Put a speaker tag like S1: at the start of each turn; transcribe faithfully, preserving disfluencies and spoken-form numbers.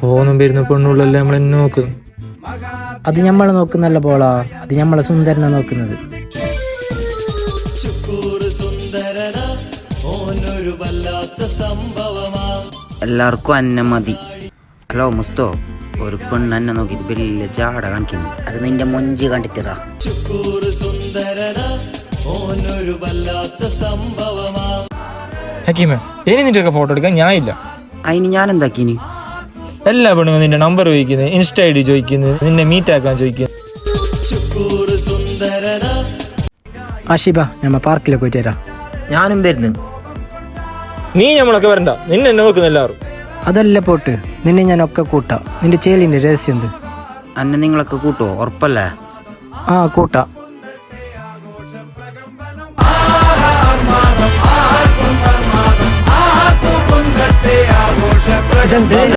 S1: പോന്നും വരുന്ന പെണ്ണുള്ളല്ലേ നമ്മളെന്നെ നോക്കുന്നു.
S2: അത് ഞമ്മളെ നോക്കുന്നല്ല പോളാ, അത് ഞമ്മളെ സുന്ദരനെ നോക്കുന്നത്.
S3: എല്ലാവർക്കും അന്ന മതി. ഹലോ മുസ്തോ, ഒരു പെണ്ണ് എന്നെ നോക്കിട്ട് വലിയ ജാട കാണിക്കുന്നു.
S2: അത് നിന്റെ മൊഞ്ചി കണ്ടിട്ടാ.
S1: ഹക്കീമേ, ഇനി നിന്റെ ഒക്കെ ഫോട്ടോ എടുക്കാൻ ഞാൻ ഇല്ല.
S3: അതിന് ഞാൻ എന്താക്കിന്?
S1: എല്ലാ പെണ്ണുങ്ങളും നിന്റെ നമ്പർ ചോദിക്കുന്നത്, ഇൻസ്റ്റ ഐ ഡി ചോദിക്കുന്നത്, നിന്നെ മീറ്റ് ആക്കാൻ ചോദിക്കുന്നത്.
S2: ആഷിബ, ഞമ്മ പാർക്കിലേക്ക് പോയിട്ട് വരാം.
S3: ഞാനും വരുന്നു.
S1: നീ നമ്മളൊക്കെ വരണ്ട, നിന്നെ എന്നെ നോക്കുന്ന എല്ലാവരും.
S2: അതല്ല പോട്ട്, നിന്നെ ഞാൻ ഒക്കെ കൂട്ടാ. നിന്റെ ചേലിന്റെ രഹസ്യം എന്ത്?
S3: അന്നെ നിങ്ങളൊക്കെ കൂട്ടോ? ഉറപ്പല്ലേ?
S2: ആ കൂട്ടാ. ഇതെന്ത്?